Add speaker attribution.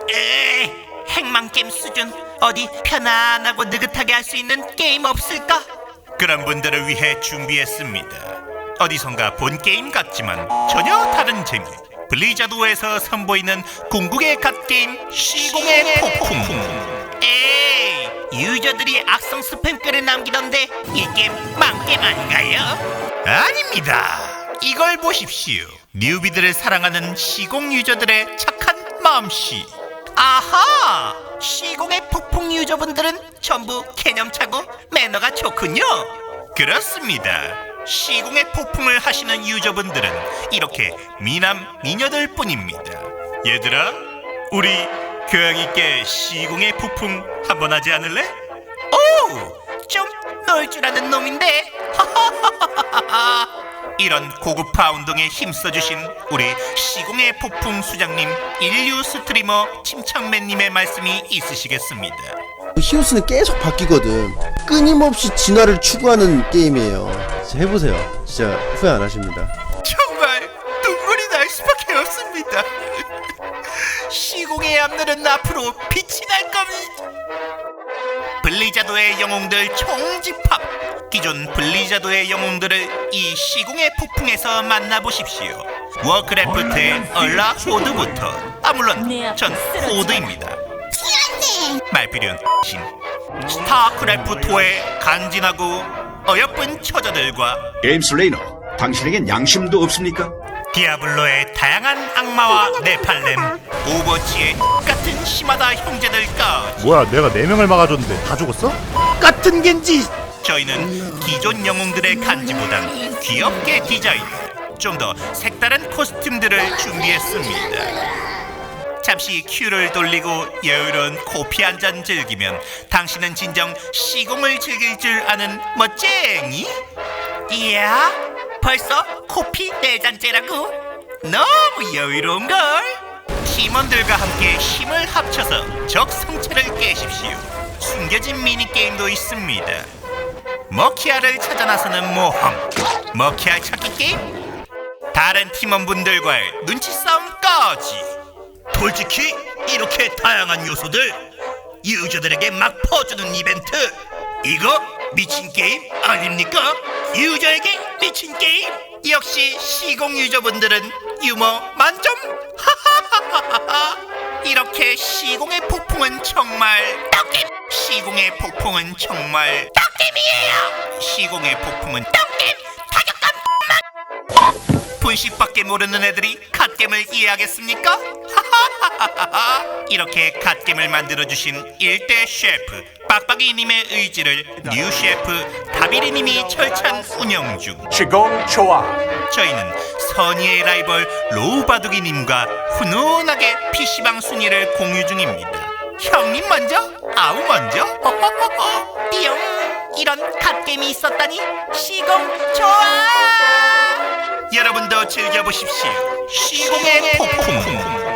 Speaker 1: 핵망게임 수준. 어디 편안하고 느긋하게 할 수 있는 게임 없을까?
Speaker 2: 그런 분들을 위해 준비했습니다. 어디선가 본 게임 같지만 전혀 다른 재미. 블리자드에서 선보이는 궁극의 갓게임 시공의 폭풍.
Speaker 1: 에이, 유저들이 악성 스팸 글을 남기던데 이 게임 망게임 아닌가요?
Speaker 2: 아닙니다. 이걸 보십시오. 뉴비들을 사랑하는 시공 유저들의 착한 마음씨.
Speaker 1: 아하! 시공의 폭풍 유저분들은 전부 개념차고 매너가 좋군요.
Speaker 2: 그렇습니다. 시공의 폭풍을 하시는 유저분들은 이렇게 미남 미녀들 뿐입니다. 얘들아, 우리 교양 있게 시공의 폭풍 한번 하지 않을래?
Speaker 1: 오! 좀 놀 줄 아는 놈인데.
Speaker 2: 이런 고급화 운동에 힘써주신 우리 시공의 폭풍 수장님, 인류 스트리머 침착맨님의 말씀이 있으시겠습니다.
Speaker 3: 히오스는 계속 바뀌거든. 끊임없이 진화를 추구하는 게임이에요. 진짜 해보세요. 진짜 후회 안 하십니다.
Speaker 2: 정말 눈물이 날 수밖에 없습니다. 시공의 앞날은 앞으로 빛이 날 겁니다. 블리자드의 영웅들 총집합. 기존 블리자드의 영웅들을 이 시공의 폭풍에서 만나보십시오. 워크래프트의 얼라 호드부터, 물론 전 호드입니다. 말필요한 신. 스타크래프트의 간지나고 어여쁜 처자들과
Speaker 4: 게임 슬레이너, 당신에겐 양심도 없습니까?
Speaker 2: 디아블로의 다양한 악마와 네팔렘, 오버워치의 같은 심하다 형제들까지.
Speaker 5: 뭐야, 내가 4명을 막아줬는데 다 죽었어?
Speaker 3: 같은 겐지!
Speaker 2: 저희는 기존 영웅들의 간지보단 귀엽게 디자인, 좀 더 색다른 코스튬들을 준비했습니다. 잠시 큐를 돌리고 여유로운 코피 한 잔 즐기면 당신은 진정 시공을 즐길 줄 아는 멋쟁이?
Speaker 1: 이야, 벌써 코피 4잔째라고? 너무 여유로운걸?
Speaker 2: 팀원들과 함께 힘을 합쳐서 적 성체를 깨십시오. 숨겨진 미니게임도 있습니다. 머키아를 찾아 나서는 모험, 머키아 찾기 게임, 다른 팀원분들과의 눈치 싸움까지. 솔직히 이렇게 다양한 요소들 유저들에게 막 퍼주는 이벤트, 이거 미친 게임 아닙니까? 유저에게 미친 게임. 역시 시공 유저분들은 유머 만점. 하하하하하. 이렇게 시공의 폭풍은 정말 떡김. 시공의 폭풍은 정말 떡김이에요. 시공의 폭풍은 떡김. 타격감. 분식밖에 모르는 애들이 갓겜을 이해하겠습니까? 하하하하하. 이렇게 갓겜을 만들어주신 1대 셰프 빡빡이님의 의지를 뉴 셰프 다비리님이 철찬 운영 중.
Speaker 6: 시공 좋아.
Speaker 2: 저희는 선의의 라이벌 로우바둑이님과 훈훈하게 PC방 순위를 공유 중입니다. 형님 먼저? 아우 먼저? 호호호호. 띠용. 이런 갓겜이 있었다니 시공 좋아. 여러분도 즐겨보십시오. 시공의 폭풍.